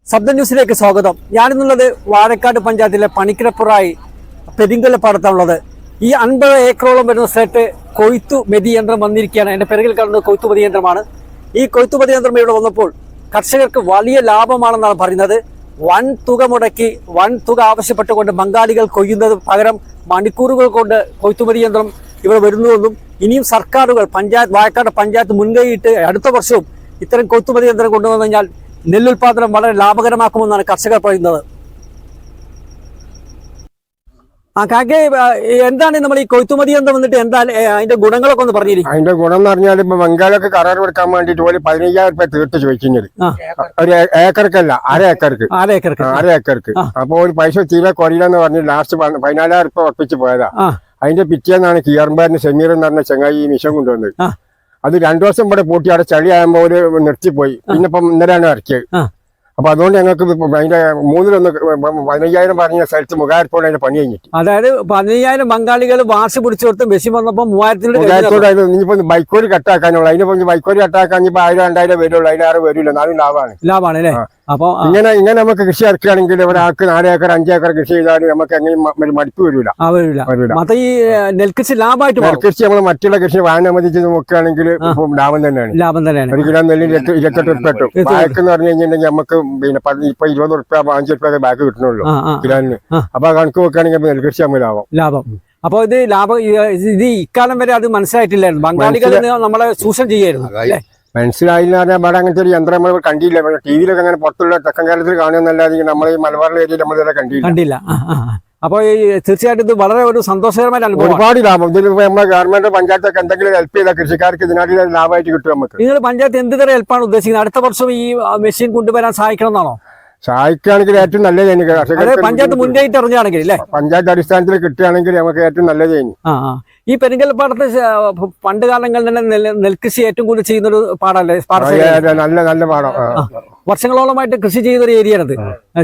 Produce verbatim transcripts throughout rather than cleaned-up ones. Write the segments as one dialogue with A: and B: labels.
A: ശബ്ദ ന്യൂസിലേക്ക് സ്വാഗതം. ഞാനിന്നുള്ളത് വാഴക്കാട് പഞ്ചായത്തിലെ പണിക്കരപ്പുറായി പെരിങ്കല്ലപ്പാടത്താണുള്ളത്. ഈ അൻപത് ഏക്കറോളം വരുന്ന സ്ഥലത്ത് കൊയ്ത്തു മെതി യന്ത്രം വന്നിരിക്കുകയാണ്. എൻ്റെ പിറകിൽ കാണുന്നത് കൊയ്ത്തു മെതി യന്ത്രമാണ്. ഈ കൊയ്ത്തു മെതി യന്ത്രം ഇവിടെ വന്നപ്പോൾ കർഷകർക്ക് വലിയ ലാഭമാണെന്നാണ് പറയുന്നത്. വൻ തുക മുടക്കി വൻ തുക ആവശ്യപ്പെട്ടുകൊണ്ട് ബംഗാളികൾ കൊയ്യുന്നത് പകരം മണിക്കൂറുകൾ കൊണ്ട് കൊയ്ത്തുമതി യന്ത്രം ഇവിടെ വരുന്നുവെന്നും ഇനിയും സർക്കാരുകൾ പഞ്ചായത്ത് വാഴക്കാട് പഞ്ചായത്ത് മുൻകൈയിട്ട് അടുത്ത വർഷവും ഇത്തരം കൊയ്ത്തുമതി യന്ത്രം കൊണ്ടുവന്നു കഴിഞ്ഞാൽ നെല്ലുൽപാദനം വളരെ ലാഭകരമാക്കുമെന്നാണ് കർഷകർ പറയുന്നത്. ആ കാക്കെ, എന്താണ് നമ്മൾ ഈ കൊയ്ത്തുമതി യന്ത്രം വന്നിട്ട് എന്താ അതിന്റെ ഗുണങ്ങളൊക്കെ ഒന്ന് പറഞ്ഞിരിക്കും?
B: അതിന്റെ ഗുണം എന്ന് പറഞ്ഞാൽ ഇപ്പൊ ബംഗാളൊക്കെ കരാർ കൊടുക്കാൻ വേണ്ടിട്ട് പോലെ പതിനയ്യായിരം രൂപ തീർത്ത് ചോദിക്കുന്നത് ഒരു ഏക്കർക്കല്ല അര ഏക്കർക്ക്
A: അര ഏക്കർക്ക്
B: അര ഏക്കർക്ക് അപ്പൊ ഒരു പൈസ തീരെ കുറയില്ലെന്ന് പറഞ്ഞ് ലാസ്റ്റ് പതിനാലായിരം രൂപ ഉറപ്പിച്ച് പോയതാ. അതിന്റെ പിറ്റേന്നാണ് കിയർമ്പാറിന് സെമീർ എന്ന് പറഞ്ഞ ചങ്ങായി ഈ മിഷൻ കൊണ്ടുവന്നത്. അത് രണ്ടു ദിവസം ഇവിടെ പൂട്ടി അവിടെ ചളി ആകുമ്പോൾ ഒരു നിർത്തിപ്പോയി. പിന്നെ ഇപ്പം ഇന്നലെയാണ് ഇറക്കിയത്. അപ്പൊ അതുകൊണ്ട് ഞങ്ങൾക്ക് അതിന്റെ മൂന്നിലൊന്ന് പതിനയ്യായിരം പറഞ്ഞ സ്ഥലത്ത് മൂവായിരത്തോടെ അതിന്റെ പണി കഴിഞ്ഞിട്ട്,
A: അതായത് പതിനയ്യായിരം ബംഗാളികൾ വാശി പിടിച്ചു കൊടുത്ത് മെഷീൻ വന്നപ്പോ മൂവായിരത്തിനോട്
B: മൂവായിരത്തോടെ ഇനിയിപ്പോ ബൈക്കോര് കട്ടാക്കാനുള്ള അതിനെ ബൈക്കോര് കട്ടാക്കാൻ ഇപ്പൊ ആയിരം രണ്ടായിരം വരുള്ളൂ, അതിനാറ് വരില്ല. നാലും ലാഭമാണ് ലാഭമാണ് അല്ലേ? അപ്പൊ ഇങ്ങനെ ഇങ്ങനെ നമുക്ക് കൃഷി ഇറക്കുകയാണെങ്കിൽ ഒരാൾക്ക് നാല് ഏക്കർ അഞ്ച് ഏക്കർ കൃഷി ചെയ്താലും നമുക്ക് എങ്ങനെയും മടുപ്പ് വരില്ല വരില്ല
A: ഈ നെൽകൃഷി ലാഭമായിട്ട്
B: നെൽകൃഷി നമ്മൾ മറ്റുള്ള കൃഷി വാഹനമതി ചെയ്ത് നോക്കുകയാണെങ്കിൽ ലാഭം തന്നെയാണ് ലാഭം തന്നെയാണ് ഒരു കിലോ നെല്ലിൽ ഇരുപത്തെട്ട് ഉറുപ്പ കിട്ടും. ബാക്കെന്ന് പറഞ്ഞു കഴിഞ്ഞിട്ടുണ്ടെങ്കിൽ നമുക്ക് പിന്നെ ഇപ്പൊ ഇരുപത് ഉറുപ്പ അഞ്ച് ഉറുപ്പ ബാക്ക് കിട്ടുന്നുള്ളൂ കിലോന്. അപ്പൊ കണക്ക് നോക്കുകയാണെങ്കിൽ നെൽകൃഷി ആകുമ്പോൾ ലാഭം ലാഭം
A: അപ്പൊ ഇത് ലാഭം ഇത് ഇക്കാലം വരെ അത് മനസ്സിലായിട്ടില്ലായിരുന്നു. ബംഗാളികൾ നമ്മളെ ചൂഷണം ചെയ്യായിരുന്നു.
B: മനസ്സിലായില്ല പറഞ്ഞാൽ ഇവിടെ അങ്ങനത്തെ ഒരു യന്ത്രം നമ്മൾ കണ്ടില്ല. ടി വിയിലൊക്കെ അങ്ങനെ പുറത്തുള്ള തെക്കൻ കേരളത്തിൽ കാണുമെന്നല്ലാതെ നമ്മളെ ഈ മലബാർ ഏരിയയിൽ നമ്മളിതുവരെ കണ്ടില്ല
A: കണ്ടില്ല അപ്പൊ തീർച്ചയായിട്ടും ഇത് വളരെ ഒരു സന്തോഷകരമായ അനുഭവം.
B: ഒരുപാട് ലാഭം ഇതിൽ നമ്മുടെ ഗവൺമെന്റ് പഞ്ചായത്തൊക്കെ എന്തെങ്കിലും ഹെൽപ്പ് ചെയ്താൽ കൃഷിക്കാർക്ക് ഇതിനായിട്ട് ലാഭമായിട്ട് കിട്ടും നമുക്ക്.
A: നിങ്ങൾ പഞ്ചായത്ത് എന്ത് തരം ഹെൽപ്പാണ് ഉദ്ദേശിക്കുന്നത്? അടുത്ത വർഷം ഈ മെഷീൻ കൊണ്ടുവരാൻ സഹായിക്കണം എന്നാണോ?
B: സഹായിക്കുകയാണെങ്കിൽ ഏറ്റവും നല്ലത്
A: പഞ്ചായത്ത് മുൻകൈയിട്ട് അറിഞ്ഞാണെങ്കിൽ അല്ലേ,
B: പഞ്ചായത്ത് അടിസ്ഥാനത്തിൽ കിട്ടുകയാണെങ്കിൽ നമുക്ക് ഏറ്റവും നല്ലത്.
A: ഈ പെരിങ്കല്ലപ്പാടത്ത് പണ്ട് കാലങ്ങളിൽ തന്നെ നെൽകൃഷി ഏറ്റവും കൂടുതൽ ചെയ്യുന്ന ഒരു പാടല്ലേ?
B: നല്ല നല്ല പാടം,
A: വർഷങ്ങളോളമായിട്ട് കൃഷി ചെയ്യുന്ന ഒരു ഏരിയ ആണത്.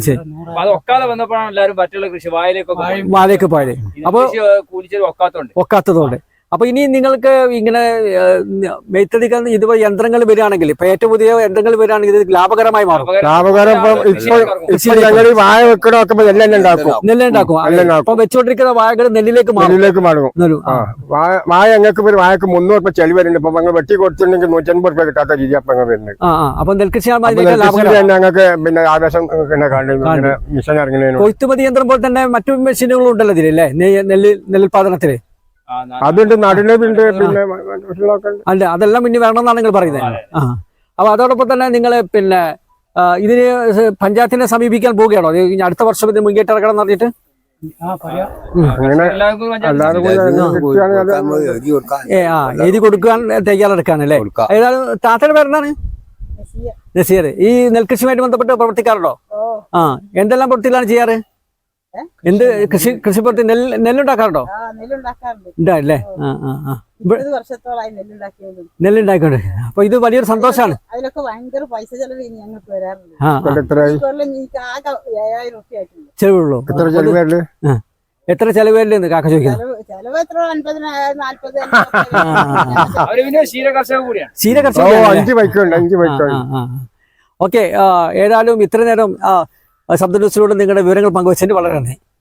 A: വാലേക്ക് പോയത് അപ്പൊ ഒക്കാത്തതുകൊണ്ട് അപ്പൊ ഇനി നിങ്ങൾക്ക് ഇങ്ങനെ മെയ്ത്തടിക്കാൻ ഇതുപോലെ യന്ത്രങ്ങൾ വരികയാണെങ്കിൽ ഇപ്പൊ ഏറ്റവും പുതിയ യന്ത്രങ്ങൾ വരികയാണെങ്കിൽ ഇത് ലാഭകരമായി മാറും.
B: ലാഭകരം ഞങ്ങൾ വാഴ വെക്കണമൊക്കെ നെല്ല് ഉണ്ടാക്കും
A: നെല്ലുണ്ടാക്കും അപ്പൊ വെച്ചുകൊണ്ടിരിക്കുന്ന വാഴകൾ നെല്ലിലേക്ക്
B: നെല്ലിലേക്ക് മാറും. വാഴ ഞങ്ങൾക്ക് ഒരു വാഴക്ക് മുന്നൂറ് രൂപ ചെലവ് വരുന്നുണ്ട്. ഇപ്പൊ ഞങ്ങൾ വെട്ടി കൊടുത്തിട്ടുണ്ടെങ്കിൽ നൂറ്റൻപത് രൂപ കിട്ടാത്ത രീതി അപ്പൊ ഞങ്ങൾ വരുന്നത്.
A: അപ്പൊ നെൽകൃഷി
B: ഞങ്ങൾക്ക് പിന്നെ ആവേശം മിഷൻ ഇറങ്ങുന്നതിന്
A: കൊയ്ത്തുമതി യന്ത്രം പോലെ തന്നെ മറ്റു മെഷീനുകളും ഉണ്ടല്ലോ ഇതിലല്ലേ നെല്ല് നെല്ലുൽപാദനത്തില്?
B: അതുണ്ട്, നടുന്നതുണ്ട്, പിന്നെ
A: അല്ല അതെല്ലാം ഇനി വേണമെന്നാണ് നിങ്ങൾ പറയുന്നത്. ആ അപ്പൊ അതോടൊപ്പം തന്നെ നിങ്ങൾ പിന്നെ ഇതിന് പഞ്ചായത്തിനെ സമീപിക്കാൻ പോവുകയാണോ? അടുത്ത വർഷം ഇത് മുൻകൈയിട്ട് ഇറക്കണം എന്ന് പറഞ്ഞിട്ട് ഏ ആ എഴുതി കൊടുക്കാൻ തയ്യാറെടുക്കാനല്ലേ? ഏതായാലും താത്തയുടെ പേരെന്താണ്? നസീർ. ഈ നെൽകൃഷിയുമായിട്ട് ബന്ധപ്പെട്ട് പ്രവർത്തിക്കാറുണ്ടോ? ആ എന്തെല്ലാം പ്രവൃത്തികളാണ് ചെയ്യാറ്? എന്ത് കൃഷി കൃഷിപ്പുറത്ത് നെല്ല് നെല്ലുണ്ടാക്കാറുണ്ടോ? ഉണ്ടായില്ലേ? ആ ആ ആ നെല്ലുണ്ടാക്കിയോണ്ട് അപ്പൊ ഇത് വലിയൊരു സന്തോഷമാണ്. ചെലവുള്ളൂ. എത്ര ചെലവ് വരലെന്ന് കാക്ക ചോദിക്കുന്നത്? ക്ഷീര കർഷകർ. ഓക്കെ, ഏതായാലും ഇത്ര നേരം ശബ്ദ ന്യൂസിലൂടെ നിങ്ങളുടെ വിവരങ്ങൾ പങ്കുവച്ചതിന് വളരെ നന്ദി.